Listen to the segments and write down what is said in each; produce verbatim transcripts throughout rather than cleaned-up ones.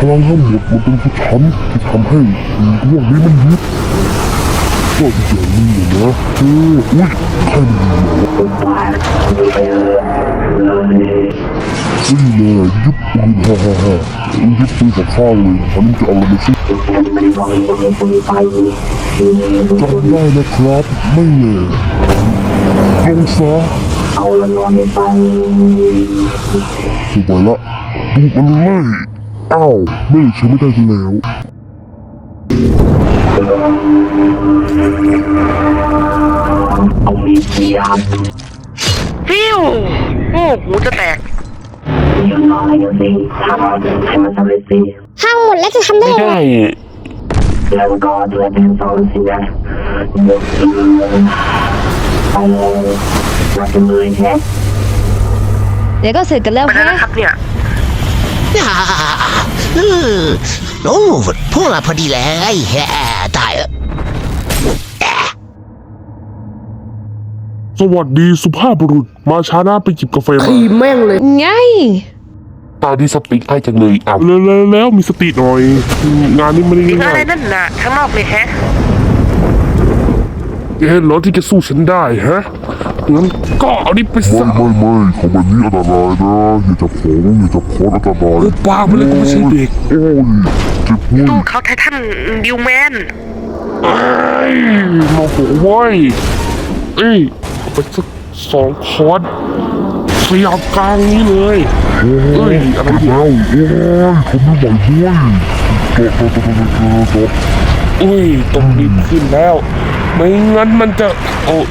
ลังทั้งหมดมันเป็นผู้ฉันที่ทำให้เรื่องนี้มันยุบก็อีกอย่างนึงนะเอออุ้ยใครมันยิงวะอุ้ยเลยยุบปืนฮ่าฮ่าฮ่ายุบปืนกับข้าวเลยอันนี้จะเอาอะไรมาสู้จำได้นะครับไม่เลยลงซะเอาละนอนไปถูกไปละดูมันเลยอ้าวไม่ใช่ไม่ได้กันแล้วฟิวโอ้หูจะแตกห้างหมดแล้วจะทำได้ไงแล้วก็ด้วยเป็นโซนสินะไปวัดกันเลยแค่เดี๋ยวก็เสร็จกันแล้วไปแค่แล้วนะครับเนี่ยอ่าเออโอ้พวกเราพอดีเลยแฮ่ตายเออสวัสดีสุภาพบุรุษมาช้าหน้าไปจิบกาแฟมาไงตาดีสติให้จังเลยอ่ะแล้วแล้วมีสติหน่อยงานนี้ไม่ได้ยิงง่าอะไรยนั่นน่ะข้างนอกเลยแฮะๆเห็นเหรอที่จะสู้ฉันได้ฮะงั้นก็เอาดิไปซะไม่ไม่ไม่ของแบบนี้อันตรายนะอย่าจับของอย่าจับของอันตรายปากไปเลยกูไม่ใช่เด็กโอ้ยเจ็บหัวตู้เขาไททันดิวแมนไอ้โมโหไว้เอ้ยเอาไปสักสองคอร์สขยับกลางนี้เลยเอ้ยอะไรเนี่ยโอ้ยเขาไม่ไหวเว้ยโตโตโตโตโตโตเอ้ยต้องรีบขึ้นแล้วไม่งั้นมันจะโอ้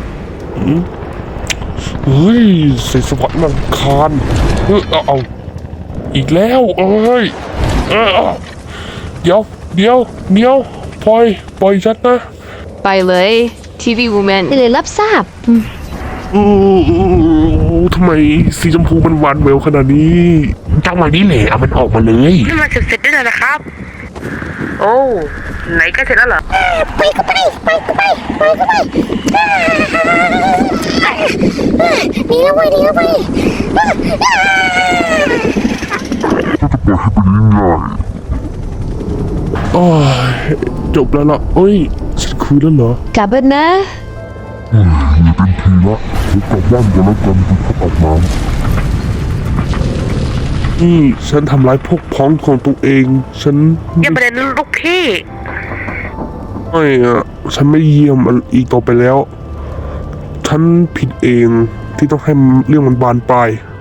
เฮ้ยเสียสวัสดิ์มันคานเออเอาเอาอีกแล้วเอ้ยเออเดี๋ยวเดี๋ยวเดี๋ยวปล่อยปล่อยฉันนะไปเลยทีวีวูแมนได้เลยรับทราบโอ้ทำไมสีชมพูมันหวานแหววขนาดนี้จังหวะนี้แหละเอามันออกมาเลยนี่มาเสร็จเสร็จได้แล้วนะครับ โอ้ไหนก็เสร็จแล้วเหรอไปก็ไปไปก็ไปไปก็ไปดีแล้วไปดีแล้วไปโอ้ยจบแล้วล่ะเอ้ยฉันคุยแล้วเหรอกลับบ้านนะอย่าเป็นทีละเดี๋ยวกลับบ้านกันแล้วกันคุณพักอาบน้ำนี่ฉันทำร้ายพวกพ้องของตัวเองฉันอย่าประเด็นลูกพี่ไม่อะฉันไม่เยี่ยมอีกต่อไปแล้ว ฉันผิดเองที่ต้องให้เรื่องมันบานปลาย